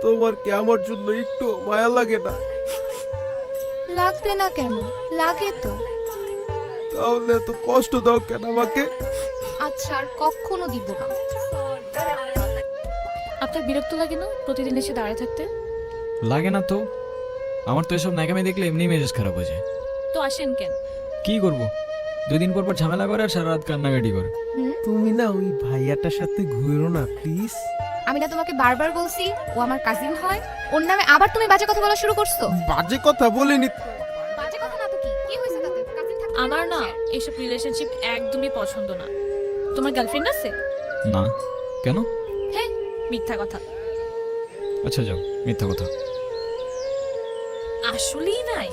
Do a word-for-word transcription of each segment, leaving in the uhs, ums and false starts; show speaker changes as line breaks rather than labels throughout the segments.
তোমার কি আমার জন্য একটু মায়া লাগে না?
লাগবে না কেন, লাগে তো।
তাহলে তো কষ্ট দাও কেন আমাকে?
আচ্ছা আর কখনো দিব না।
আপনার বিরক্ত লাগে না প্রতিদিন এসে দাঁড়িয়ে থাকতে?
লাগে না তো, আমার তো এসব ন্যাকামি দেখলে এমনি মেজাজ খারাপ হয়ে যায়।
তো আসেন কেন?
কি করব, দুদিন পর পর ঝামেলা করে আর সারা রাত কান্নাকাটি করে।
তুমি না ওই ভাইয়াটার সাথে ঘুরো না প্লিজ।
আমি না তোমাকে বারবার বলছি ও আমার কাজিন হয়, ওর নামে আবার তুমি বাজে কথা বলা শুরু করছো।
বাজে কথা বলিনি।
বাজে কথা না তো কি, কি হয়েছে তাতে? কাজিন থাকতে
আমার না এইসব রিলেশনশিপ একদমই পছন্দ না। তোমার গার্লফ্রেন্ড আছে?
না, কেন?
হ্যাঁ, মিথ্যা কথা।
আচ্ছা যাও, মিথ্যা কথা।
আসলেই নাই?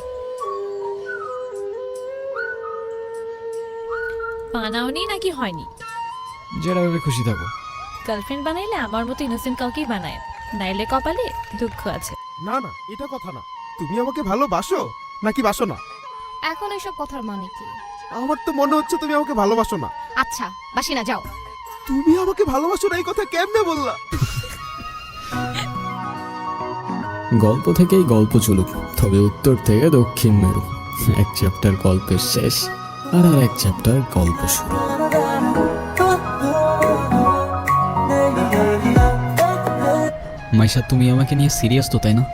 বানাওনি নাকি হয়নি?
যেটা ভেবে খুশি থাকো।
গার্লফ্রেন্ড বানাইলে আমার মতো ইনোসেন্ট কাউকেই বানায়, নাইলে কপালে দুঃখ আছে।
না না, এটা কথা না। তুমি আমাকে ভালোবাসো নাকি বাসো না?
এখন এসব কথার মানে কি?
আমার তো মনে হচ্ছে তুমি আমাকে ভালোবাসো না।
আচ্ছা বাসি না, যাও।
তুমি আমাকে ভালোবাসো না এই কথা কেমনে বললা?
গল্প থেকেই গল্প চলুক, তবে উত্তর থেকে দক্ষিণ মেরু। এক চ্যাপ্টার গল্পের শেষ, আর আর এক চ্যাপ্টার গল্প শুরু।
মাইশা, তুমি আমাকে নিয়ে সিরিয়াস তো, তাই না?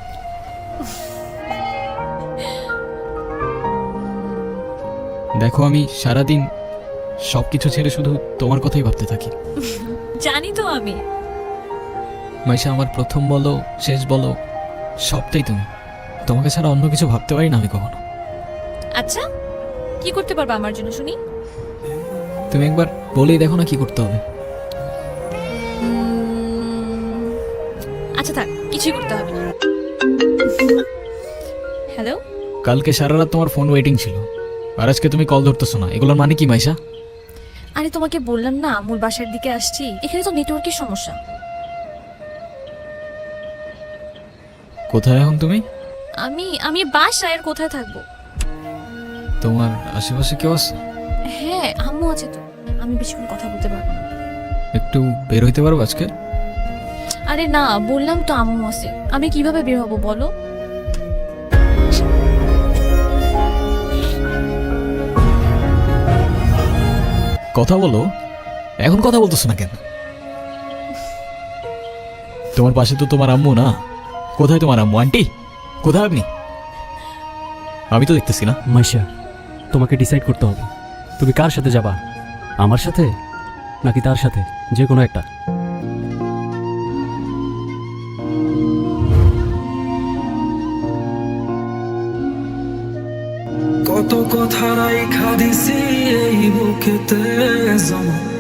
দেখো, আমি সারাদিন সবকিছু ছেড়ে শুধু তোমার কথাই ভাবতে থাকি।
জানি তো আমি।
মাইশা, আমার প্রথম বলো শেষ বলো সবটাই তুমি। তোমাকে ছাড়া অন্য কিছু ভাবতে পারি না আমি কখনো।
আচ্ছা, কি করতে পারবা আমার জন্য শুনি?
তুমি একবার বলেই দেখো না কি করতে হবে।
আচ্ছা থাক, কিছুই করতে হবে না। হ্যালো,
কালকে সারা রাত তোমার ফোন ওয়েটিং ছিল, আর আজকে তুমি কল ধরতেছো না, এগুলোর মানে কি মাইশা?
আরে তোমাকে বললাম না আমুর বাসার দিকে আসছি, এখানে তো নেটওয়ার্কের সমস্যা।
কোথায় এখন তুমি?
আমি আমি বাসায়, আর কোথায় থাকবো?
তোমার আশেপাশে কেউ আছে?
হ্যাঁ, আম্মু আছে তো। আমি বেশিক্ষণ কথা বলতে পারবো না।
একটু বের হইতে পারবো আজকে?
আরে না, বললাম তো আম্মু আছে, আমি কিভাবে বের হবো বলো?
কথা বলো, এখন কথা বলতেছো না কেন? তোমার পাশে তো তোমার আম্মু না। কোথায় তোমার আম্মু? আন্টি কোথায় আপনি? আমি তো দেখতেছি না।
মাইশা, তোমাকে ডিসাইড করতে হবে তুমি কার সাথে যাবা, আমার সাথে নাকি তার সাথে, যে কোনো একটা।
কত কথা রাইখা দিছি এই বুকেতে জমা,